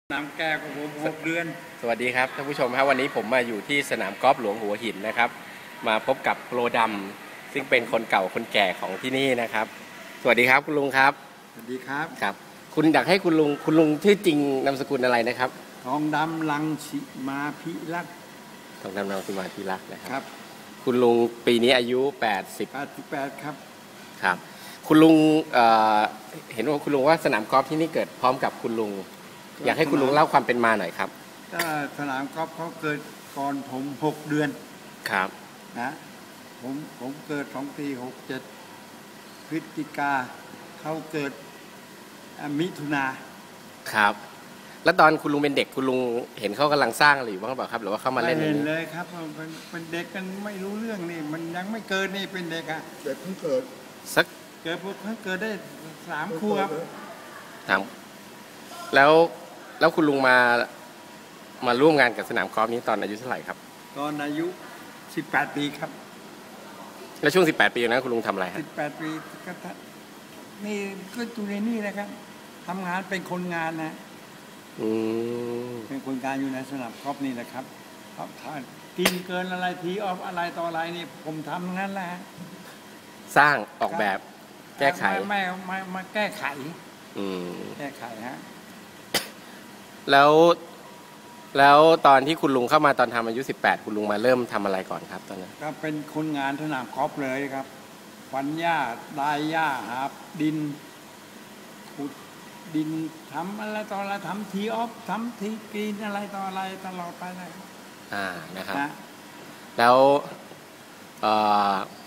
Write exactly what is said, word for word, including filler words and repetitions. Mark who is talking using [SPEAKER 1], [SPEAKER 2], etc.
[SPEAKER 1] น้ำแก้วของผมหกเดือน
[SPEAKER 2] สวัสดีครับท่านผู้ชมครับวันนี้ผมมาอยู่ที่สนามกอล์ฟหลวงหัวหินนะครับมาพบกับโปรดำซึ่งเป็นคนเก่าคนแก่ของที่นี่นะครับสวัสดีครับคุณลุงครับ
[SPEAKER 1] สวัสดีครับ
[SPEAKER 2] ครับคุณอยากให้คุณลุงคุณลุงชื่อจริงนามสกุลอะไรนะครับ
[SPEAKER 1] ทองดำลังสิมาพิรักษ์
[SPEAKER 2] ทองดำลังสิมาพิรักษ์นะค
[SPEAKER 1] รับ
[SPEAKER 2] คุณลุงปีนี้อายุแปดสิบ
[SPEAKER 1] แปดสิบแปดครับ
[SPEAKER 2] ครับคุณลุงเเห็นว่าคุณลุงว่าสนามกอล์ฟที่นี่เกิดพร้อมกับคุณลุงอยากให้คุณลุงเล่าความเป็นมาหน่อยครับ
[SPEAKER 1] ก็สนามกอล์ฟเขาเกิดก่อนผมหกเดือน
[SPEAKER 2] ครับ
[SPEAKER 1] นะผมผมเกิดสองปีหกเจ็ดพฤศจิกาเขาเกิดมิถุนา
[SPEAKER 2] ครับแล้วตอนคุณลุงเป็นเด็กคุณลุงเห็นเขากำลังสร้างอะไรอยู่บ้างหรือเปล่าครับหรือว่าเขามาเล่น
[SPEAKER 1] ไม่เห็นเลยครับเป็นเป็นเด็กกันไม่รู้เรื่องนี่มันยังไม่เกิดนี่เป็นเด็กอะ
[SPEAKER 3] เด็กเพิ่งเกิด
[SPEAKER 2] สัก
[SPEAKER 1] เกิดเพิ่งเกิดได้สามขวบ
[SPEAKER 2] ถามแล้วแล้วคุณลุงมามาร่วมงานกับสนามกอล์ฟนี้ตอนอายุเท่าไหร่ครับ
[SPEAKER 1] ตอนอายุสิบแปดปีครับ
[SPEAKER 2] แล้วช่วงสิบแปดปีนั้นคุณลุงทำอะไรครับ
[SPEAKER 1] สิบแปดปีก็นี่ก็อยู่ในนี่นะครับทำงานเป็นคนงานนะ
[SPEAKER 2] อืม
[SPEAKER 1] เป็นคนงานอยู่ในสนามกอล์ฟนี่นะครับถ้ากินเกินอะไรทีออฟอะไรต่ออะไรนี่ผมทำงั้นแหละ
[SPEAKER 2] สร้างออกแบบแก้ไข
[SPEAKER 1] ไม่ไม่มาแก้ไข
[SPEAKER 2] อืม
[SPEAKER 1] แก้ไขฮะ
[SPEAKER 2] แล้วแล้วตอนที่คุณลุงเข้ามาตอนทำอายุสิบแปดคุณลุงมาเริ่มทำอะไรก่อนครับตอนนั้น
[SPEAKER 1] ก็เป็นคนงานสนามกอล์ฟเลยครับฟันหญ้าดายหญ้าหาดินขุดดินทำอะไรต่ออะไรทำทีออฟทำทีกรีนอะไรต่ออะไรตลอดไปนะครับ
[SPEAKER 2] อ่านะครับแล้วเอ่อ